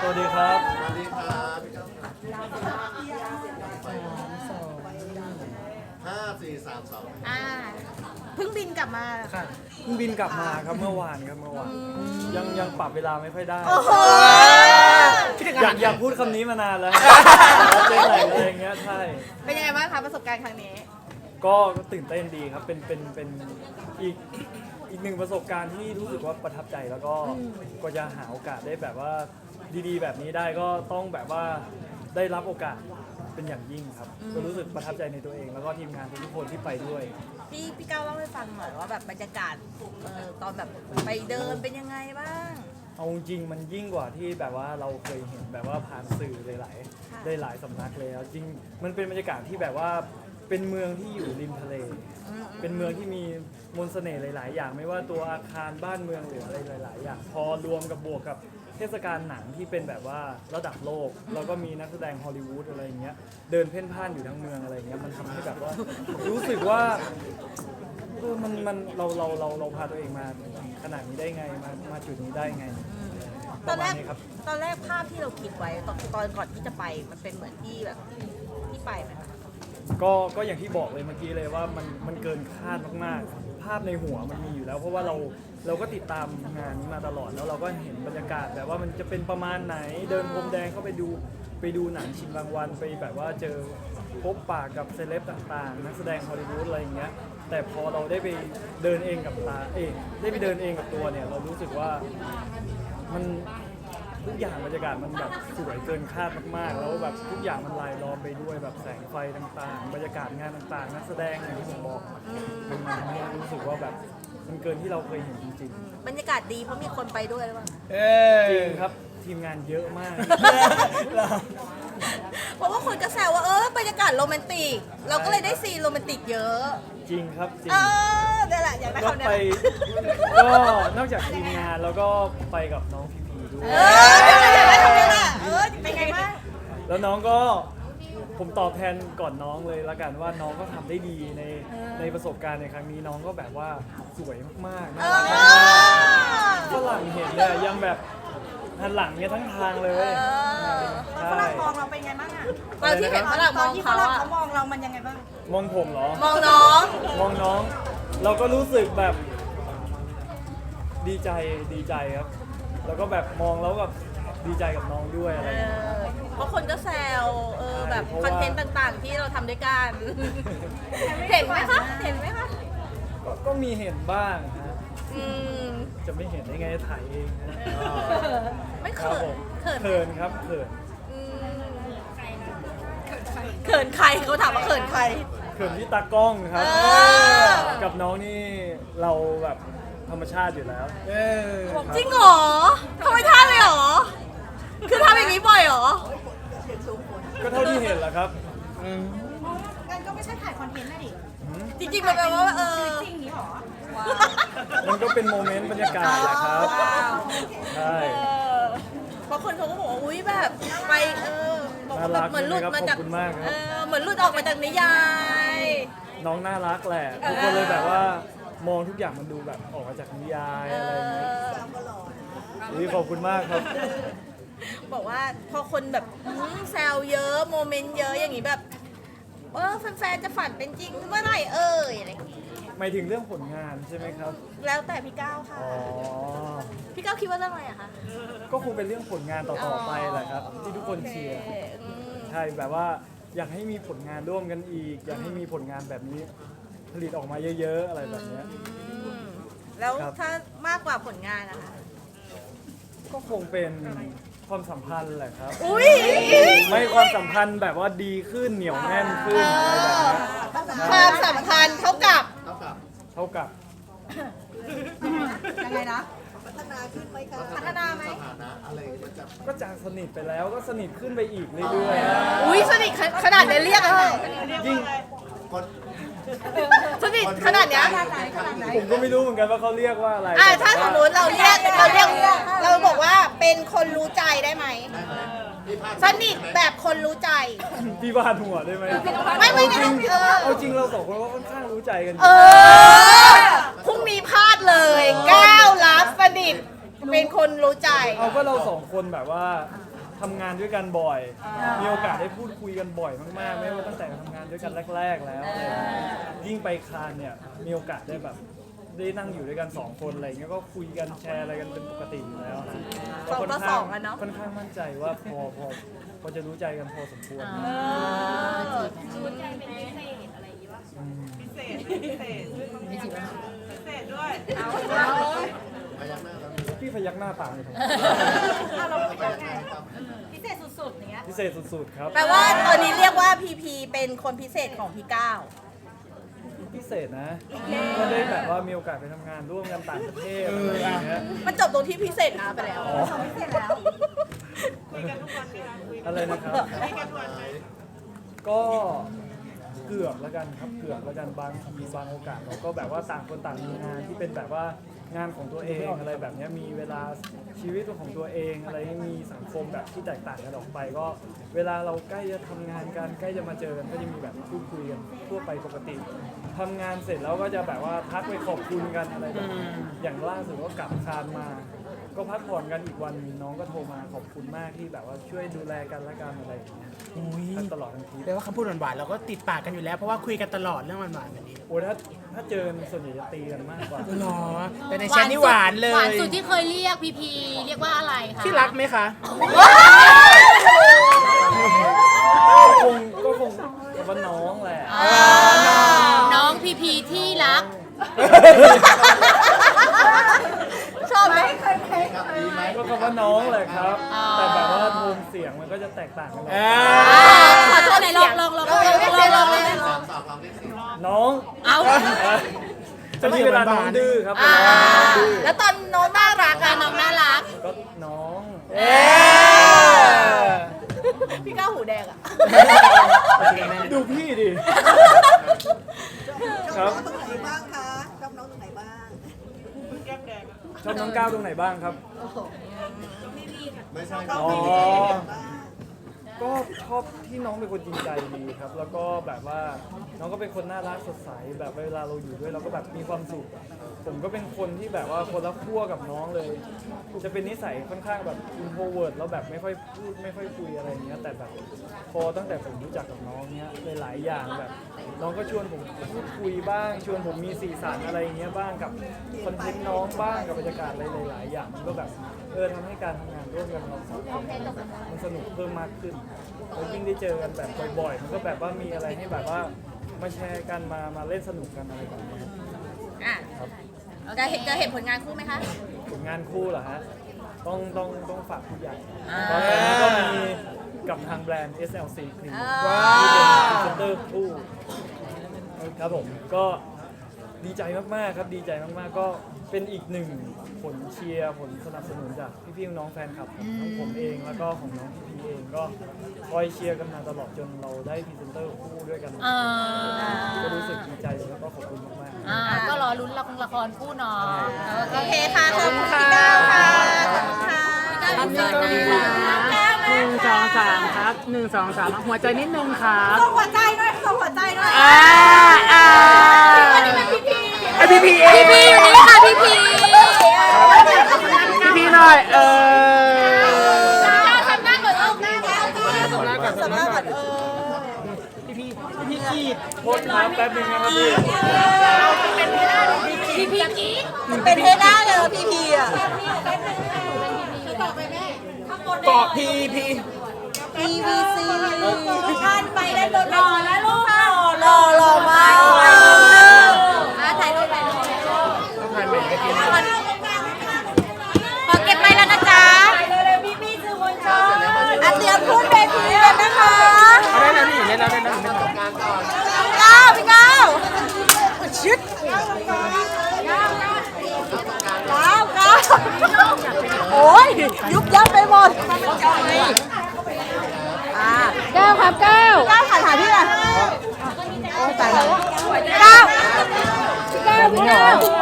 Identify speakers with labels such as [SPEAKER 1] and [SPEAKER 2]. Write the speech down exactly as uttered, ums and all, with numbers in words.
[SPEAKER 1] วัสดีครับ
[SPEAKER 2] สวัสดีครับห้าสี่สามสอง
[SPEAKER 3] อ่าเพิ่งบินกลับมาเหรอ
[SPEAKER 1] ค่ะเพิ่งบินกลับมาครับเมื่อวานครับเมื่อวานยังยังปรับเวลาไม่ค่อยได้
[SPEAKER 3] โอ้โห
[SPEAKER 1] อยากอยากพูดคำนี้มานานแล้วเจ๊ไหนอะไรอย่างเงี้ยใช่
[SPEAKER 3] เป็นยังไงบ้างคะประสบการณ์ครั้งนี้
[SPEAKER 1] ก็ตื่นเต้นดีครับเป็นเป็นเป็นอีกอีกหนึ่งประสบการณ์ที่รู้สึกว่าประทับใจแล้วก็ก็จะหาโอกาสได้แบบว่าดีๆ แบบนี้ได้ก็ต้องแบบว่าได้รับโอกาสเป็นอย่างยิ่งครับก็รู้สึกประทับใจในตัวเอง แล้วก็ทีมงานทุกคนที่ไปด้วย
[SPEAKER 3] พี่พี่ก้าวเล่าให้ฟังหน่อยว่าแบบบรรยากาศเอ่อตอนแบบไปเดินเป็นยังไงบ้าง
[SPEAKER 1] เอาจริงๆมันยิ่งกว่าที่แบบว่าเราเคยเห็นแบบว่าผ่านสื่อหลาย
[SPEAKER 3] ค่ะ
[SPEAKER 1] ๆได้หลายสำนักเลยจริงมันเป็นบรรยากาศที่แบบว่าเป็นเมืองที่อยู่ริมทะเล
[SPEAKER 3] อืม
[SPEAKER 1] เป็นเมืองที่มีมนต์เสน่ห์หลาย ๆ อย่าง ไม่ว่าตัวอาคารบ้านเมืองหรืออะไรหลาย ๆ อย่าง พอรวมกับบวกกับเทศกาลหนังที่เป็นแบบว่าระดับโลกแล้วก็มีนักแสดงฮอลลีวูดอะไรอย่างเงี้ยเดินเพ่นพ่านอยู่ทั้งเมืองอะไรอย่างเงี้ยมันทำให้แบบว่ารู้สึกว่าเออมันมันเราเราเราเราพาตัวเองมาขนาดนี้ได้ไงมามาจุดนี้ได้ไง
[SPEAKER 3] ตอนแรก
[SPEAKER 1] ประมาณนี้ครับ
[SPEAKER 3] ตอนแรกภาพที่เราคิดไว้ตอนตอนก่อนที่จะไปมันเป็นเหมือนที่แบบที่ไปไหมคะ
[SPEAKER 1] ก็ก็อย่างที่บอกเลยเมื่อกี้เลยว่ามันมันเกินคาดมากๆ ภาพในหัวมันมีอยู่แล้ว เพราะว่าเราเราก็ติดตามงานนี้มาตลอดแล้วเราก็เห็นบรรยากาศแบบว่ามันจะเป็นประมาณไหนเดินพรมแดงเข้าไปดูไปดูหนังชิงรางวัลไปแบบว่าเจอพบปากกับเซเลบต่างๆ นักแสดงฮอลลีวูดอะไรอย่างเงี้ยแต่พอเราได้ไปเดินเองกับตาเองได้ไปเดินเองกับตัวเนี่ยเรารู้สึกว่ามันทุกอย่างบรรยากาศมันแบบสวยเกินคาดมากๆ แล้วแบบทุกอย่างมันลายล้อมไปด้วยแบบแสงไฟต่างๆ บรรยากาศงานต่างๆ นักแสดงอย่างที่ผมบอกมันมันทำให้รู้สึกว่าแบบมันเกินที่เราเคยเห็นจริง
[SPEAKER 3] บรรยากาศดีเพราะมีคนไปด้วยหรือเปล่า
[SPEAKER 1] ๆ จริงครับทีมงานเยอะมาก
[SPEAKER 3] เพราะว่าคนก็แซวว่าเออบรรยากาศโรแมนติก เราก็เลยได้ซีนโรแมนติกเยอะ
[SPEAKER 1] จริงครับจริง
[SPEAKER 3] เออนี่แหละอยากได้
[SPEAKER 1] ก็
[SPEAKER 3] คำนี้
[SPEAKER 1] ไป ก็นอกจากทีมงานแล้วก็ไปกับน้องพีพีด้วย
[SPEAKER 3] เอออยากได้คำนี้แหละเออเป็นไงบ้าง
[SPEAKER 1] แล้วน้องก็ผมตอบแทนก่อนน้องเลยละกันว่าน้องก็ทำได้ดีในในประสบการณ์ในครั้งนี้น้องก็แบบว่าสวยมากๆน่ารักมากๆฝรั่งเห็นเนี่ยยังแบบหันหลังเนี่ยทั้งทางเลย
[SPEAKER 3] เออ
[SPEAKER 1] ใช่
[SPEAKER 4] ฝรั่งมองเราเป็นไงบ้างอะ
[SPEAKER 3] ตอนที่เห็นฝรั่งมอง
[SPEAKER 4] ที่ฝ
[SPEAKER 3] เขา
[SPEAKER 4] รั่ง
[SPEAKER 3] อะ
[SPEAKER 4] เขามองเรามันยังไงบ้าง
[SPEAKER 1] มองผมเหรอ
[SPEAKER 3] มองน้อง
[SPEAKER 1] มองน้อง เราก็รู้สึกแบบดีใจดีใจครับ แล้วก็แบบมองแล้วแบบดีใจกับน้องด้วยอะไร
[SPEAKER 3] เอ
[SPEAKER 1] อย่างเงี้ย
[SPEAKER 3] อเพราะคนก็แซวเออแบบ
[SPEAKER 1] เพราะ
[SPEAKER 3] ค
[SPEAKER 1] ว่า
[SPEAKER 3] อนเทนต์ต่างๆ ที่เราทำด้วยกัน เห็นไหมคะ เห็นไหมคะ
[SPEAKER 1] ก็ก็มีเห็นบ้างฮะ
[SPEAKER 3] อืม
[SPEAKER 1] จะไม่เห็นได้ไงถ่ายเองนะ
[SPEAKER 3] ไม่
[SPEAKER 1] ครั
[SPEAKER 3] เขิ
[SPEAKER 1] บผ
[SPEAKER 3] น
[SPEAKER 1] ม
[SPEAKER 3] เขินไหม
[SPEAKER 1] เขินครับเขิน
[SPEAKER 3] อืมเขินใครเขาถามว่าเขินใคร
[SPEAKER 1] เขินที่ตากล้องครับ
[SPEAKER 3] เออ
[SPEAKER 1] กับน้องนี่เราแบบธรรมชาติอยู่แล้วครับ
[SPEAKER 3] จริงเหรอทำไมท่าเลยเหรอ คือทำอย่างนี้บ่อยเหรอ
[SPEAKER 1] ก็เท่าที่เห็นแหละครับ
[SPEAKER 4] งั้นก็ไม่ใช่ถ่ายคอนเทนต์นะดิ
[SPEAKER 3] จริงๆมันแปลว่าเออ
[SPEAKER 4] จริงนี้หรอ
[SPEAKER 1] มันก็เป็นโมเมนต์บรรยากาศแหละครับ ใช่
[SPEAKER 3] เออบางคนเขาก็บอกว่าอุ้ยแบบไปเออบอกว่าแบบเหมือนหลุดมาจาก
[SPEAKER 1] ขอบคุณมากครับ
[SPEAKER 3] เออเหมือนหลุดออกมาจากนิยาย
[SPEAKER 1] น้องน่ารักแหละ ทุกคนเลยแบบว่ามองทุกอย่างมันดูแบบออกมาจากนิยายอะไรอย่างเงี้ยอุ๊ยขอบคุณมากครับ
[SPEAKER 3] บอกว่าพอคนแบบอื้อแซวเยอะโมเมนต์เยอะอย่างนี้แบบเออแฟนๆจะฝันเป็นจริงเมื่อไหร่เอ่ยอะไรอย่างงี้
[SPEAKER 1] หมายถึงเรื่องผลงานใช่ไหมครับ
[SPEAKER 3] แล้วแต่พี่ก้าวค่ะ
[SPEAKER 1] อ๋อ
[SPEAKER 3] พี่ก้าวคิดว่าเรื่องอะไรอะคะ
[SPEAKER 1] ก็คงเป็นเรื่องผลงานต่อๆไปแหละครับ ที่ทุกคนเชียร์
[SPEAKER 3] โอคอืม
[SPEAKER 1] ใช่แบบว่าอยากให้มีผลงานร่วมกันอีก อยากให้มีผลงานแบบนี้ ผลิตออกมาเยอะๆ อะไรแบบเนี้ย
[SPEAKER 3] อืมแล้ว
[SPEAKER 1] ครับ
[SPEAKER 3] ถ้ามากกว่าผลงานนะคะ
[SPEAKER 1] ก็คงเป็นความสัมพันธ์แหละครับ
[SPEAKER 3] อุ้ย
[SPEAKER 1] ไม่ความสัมพันธ์แบบว่าดีขึ้นเหนียวแน่นขึ้นอะไรแบบเนี้ย
[SPEAKER 3] ความสัมพันธ์เท่ากับ
[SPEAKER 2] เท่ากับ
[SPEAKER 1] เท่ากับ
[SPEAKER 4] ยังไงนะ
[SPEAKER 2] พัฒนาไหมสถานะอะไรมันจะ
[SPEAKER 1] ก็จากสนิทไปแล้วก็สนิทขึ้นไปอีกเรื่อยๆนะ
[SPEAKER 3] อุ้ยสนิทขนาดนี้เรียกอะไร
[SPEAKER 1] ยิ่ง
[SPEAKER 2] คน
[SPEAKER 3] สนิทขนาดเนี้ย
[SPEAKER 4] ขนาดไหนขนาดไหน
[SPEAKER 1] ผมก็ไม่รู้เหมือนกันว่าเขาเรียกว่าอะไร
[SPEAKER 3] อ่ะ
[SPEAKER 1] แต่
[SPEAKER 3] ถ้าส
[SPEAKER 1] ว่
[SPEAKER 3] มมติเราเรียกเราเรียกเราบอกว่าเป็นคนรู้ใจได้ไหม
[SPEAKER 2] ได้ไหมพี่พาด
[SPEAKER 3] สนิทแบบคนรู้ใจ
[SPEAKER 1] พี่บาดหัวได้ไหม
[SPEAKER 3] ไม่ไม่ไม่
[SPEAKER 1] เอาจริง
[SPEAKER 3] เออ
[SPEAKER 1] เอาจริงเราสองคนก็ค่อนข้างรู้ใจกันอ
[SPEAKER 3] เอยู่ อพรุ่งนี้พลาดเลยก้าวรับสนิทเป็นคนรู้ใจ
[SPEAKER 1] เอาก็เราสองคนแบบว่าทำงานด้วยกันบ่อย มีโอกาสได้พูดคุยกันบ่อยมากๆ ไม่ว่าตั้งแต่ทำงานด้วยกันแรก ๆ แล้วอะไรอย่างเงี้ยยิ่งไปคานเนี่ยมีโอกาสได้แบบได้นั่งอยู่ด้วยกันสองคนอะไรอย่างเงี้ยก็คุยกันแชร์อะไรกันเป็นปกติอยู่แล้วนะ
[SPEAKER 3] สองต่อสองอะเนาะ
[SPEAKER 1] ค่อนข้างมั่นใจว่าพอพอพอจะรู้ใจกันพอสมควร
[SPEAKER 3] เออ
[SPEAKER 5] พิเศษพิเศษพิเศษด้วย เอา
[SPEAKER 1] พี่พยักหน้าตามเลยครับ
[SPEAKER 4] เราเป็นยังไงพิเศษสุดๆอย่างเงี้ย
[SPEAKER 1] พิเศษสุดๆครับ
[SPEAKER 3] แปลว่าตอนนี้เรียกว่าพีพีเป็นคนพิเศษของพี่ก้าว
[SPEAKER 1] พิเศษนะก็ได้แบบว่ามีโอกาสไปทำงานร่วมกันต่างประเทศอะไรอย่างเงี้ย
[SPEAKER 3] มันจบตรงที่พิเศษนะไปแล้ว
[SPEAKER 4] พิเศษแล้ว
[SPEAKER 5] คุยกันทุกวันไหมคะคุย
[SPEAKER 1] อะไรนะครับ
[SPEAKER 5] คุยกันทุกวันไหม
[SPEAKER 1] ก็เกือบแล้วกันครับเกือบแล้วกันบางทีบางโอกาสเราก็แบบว่าต่างคนต่างมีงานที่เป็นแบบว่างานของตัวเองอะไรแบบเนี้ยมีเวลาชีวิตของตัวเองอะไรมีสังคมแบบที่แตกต่างกันออกไป ก็เวลาเราใกล้จะทำงานกันใกล้จะมาเจอกันก็จะมีแบบพูดคุยกันทั่วไปปกติทำงานเสร็จแล้วก็จะแบบว่าทักไปขอบคุณกันอะไรแบบนี้อย่างล่าสุดก็กลับคานมา ก็พักผ่อนกันอีกวันหนึ่งน้องก็โทรมาขอบคุณมากที่แบบว่าช่วยดูแลกันและกันอะไรอย่างเงี้ย
[SPEAKER 6] อุ้ย
[SPEAKER 1] ทั้งตลอดทั้งทริป
[SPEAKER 6] แปลว่าคำพูดหวานๆเราก็ติดปากกันอยู่แล้วเพราะว่าคุยกันตลอดเรื่องหวานๆแบบนี้
[SPEAKER 1] โอ้ยถ้าถ้าเจอกันส่วนใหญ่จะตีกันมากกว่า
[SPEAKER 6] หรอแต่ในแชทนี่หวานเลย
[SPEAKER 7] หวานสุดที่เคยเรียกพีพีเรียกว่าอะไรคะ
[SPEAKER 6] ที่รักไหมคะ
[SPEAKER 1] คงก็คงกับว่าน้องแหละ
[SPEAKER 7] น้องพีพีที่รัก
[SPEAKER 3] ชอบไหม
[SPEAKER 1] ก็คำว่าน้องแหละครับ แต่แบบว่าโทนเสียงมันก็จะแตกต่างกันออก
[SPEAKER 6] อ่า
[SPEAKER 7] ขอโทษไหนลองลองลองลองลองลองลองเลย
[SPEAKER 1] น้อง
[SPEAKER 7] เอา
[SPEAKER 1] จะมีเวลาน้องดื้อครับ
[SPEAKER 3] อ่า
[SPEAKER 1] เวลาน้องดื้อ
[SPEAKER 3] แล้วตอนน้องน่ารัก
[SPEAKER 7] กา
[SPEAKER 3] อะ
[SPEAKER 7] รน้องน่ารัก
[SPEAKER 1] ก็น้อง
[SPEAKER 6] เอ๊ะ
[SPEAKER 3] พี่ก้าวหูแดงอะ
[SPEAKER 1] ดูพี่ดิ
[SPEAKER 2] ชอบน้องตรงไหนบ้างคะชอบน้องตรงไหนบ้าง
[SPEAKER 5] แก้มแดงอะ
[SPEAKER 1] ชอบน้องก้าวตรงไหนบ้างครับ
[SPEAKER 2] ชอบ
[SPEAKER 1] อ๋อ
[SPEAKER 2] พี่พี่บ้าง
[SPEAKER 1] ก็ชอบที่น้องเป็นคนจริงใจดีครับ แล้วก็แบบว่าน้องก็เป็นคนน่ารักสดใสแบบเวลาเราอยู่ด้วยเราก็แบบมีความสุข ผมก็เป็นคนที่แบบว่าคนละขั้วกับน้องเลย จะเป็นนิสัยค่อนข้างแบบอินโทรเวิร์ดแล้วแบบไม่ค่อยพูดไม่ค่อยคุยอะไรอย่างเงี้ยแต่แบบพอตั้งแต่ผมรู้จักกับน้องเนี้ยหลายๆอย่างแบบ น้องก็ชวนผมพูดคุยบ้าง ชวนผมมีสีสันอะไรอย่างเงี้ยบ้างกับคอนเทนต์น้องบ้างกับบรรยากาศอะไรหลายๆอย่างมันก็แบบเออทำให้การทำงานร่วมกันเราสองคนมันสนุกเพิ่มมากขึ้นแล้วยิ่งได้เจอกันแบบบ่อยๆ มันก็แบบว่ามีอะไรให้แบบว่ามาแชร์กันมามาเล่นสนุกกันอะไรแบบนี้
[SPEAKER 3] อ่ะ
[SPEAKER 1] ครับ
[SPEAKER 3] จะเห็นจะเห็นผลงานคู่ไหมคะ
[SPEAKER 1] ผลงานคู่เหรอฮะต้องต้องต้องฝากผู้ใหญ่
[SPEAKER 3] อ่า
[SPEAKER 1] ตอนนี้ก็มีกับทางแบรนด์ เอส แอล ซี Clean
[SPEAKER 3] ว้า
[SPEAKER 1] ที่เป็นพรีเซนเตอร์คู่ครับผมก็ดีใจมากๆครับดีใจมากๆก็เป็นอีกหนึ่งผลเชียร์ผลสนับสนุนจากพี่ๆน้องๆแฟนคลับของทั้งผมเองแล้วก็ของน้องพี่พีเองก็คอยเชียร์กันมาตลอดจนเราได้พรีเซนเตอร์คู่ด้วยกัน
[SPEAKER 7] อ่า
[SPEAKER 1] ก็รู้สึกดีใจแล้วก็ขอบคุณมากๆ
[SPEAKER 7] อ่าก็รอลุ้นละครละครคู่เนาะ
[SPEAKER 3] โอเคค่ะขอบคุณพี่ก้าวค่ะขอบคุณค่ะ
[SPEAKER 7] ขอบคุณค่ะ
[SPEAKER 6] หนึ่งสองสามครับหนึ่งสองสามหัวใจนิดนึงครับ
[SPEAKER 4] ส่งหัวใจด้วยส่งหัวใจด้วย
[SPEAKER 6] อ่าอ่า
[SPEAKER 3] อันนี้เป็นพี่พี
[SPEAKER 6] ไอพีพีเอ
[SPEAKER 7] พีพีอยู่นี่ค่ะพีพี
[SPEAKER 6] พีพีหน่อยเออ
[SPEAKER 3] ทำหน้าเหมือนเอาหน้าแล้ว
[SPEAKER 6] สำนักก่อน
[SPEAKER 3] สำหรับแบบเออ
[SPEAKER 6] พีพีพีพีกีด
[SPEAKER 1] โทษครับแป๊บนึงนะครับพี่
[SPEAKER 7] พีพีกี้
[SPEAKER 3] เป็นเทด้าเลยพี่พีอ่ะ
[SPEAKER 6] เกาะพีพี
[SPEAKER 3] พีวีซีท่านไปได้รถหล่อแล้วลูกหล่อหล่อหล่อมากอ่ะถ่ายรูปถ่ายรูป
[SPEAKER 6] ต้องถ่ายใหม่ไปกิน
[SPEAKER 3] ขอเก็บไปแล้วนะจ๊ะอ่ะเตรียมพูดเวทีกันนะคะ
[SPEAKER 6] เอาได้แล้วนี่เล่นแล้วได้แล้วไม่ต้อง
[SPEAKER 3] ก้าวพี่ก้าวชิดก้าวก้าวโอ้ยยุบยับไปหมดอ่าก้าวครับก้าวก้าวถ่ายถ่ายพี่หน่อยโอ้ตายแล้วก้าวก้าวก้าว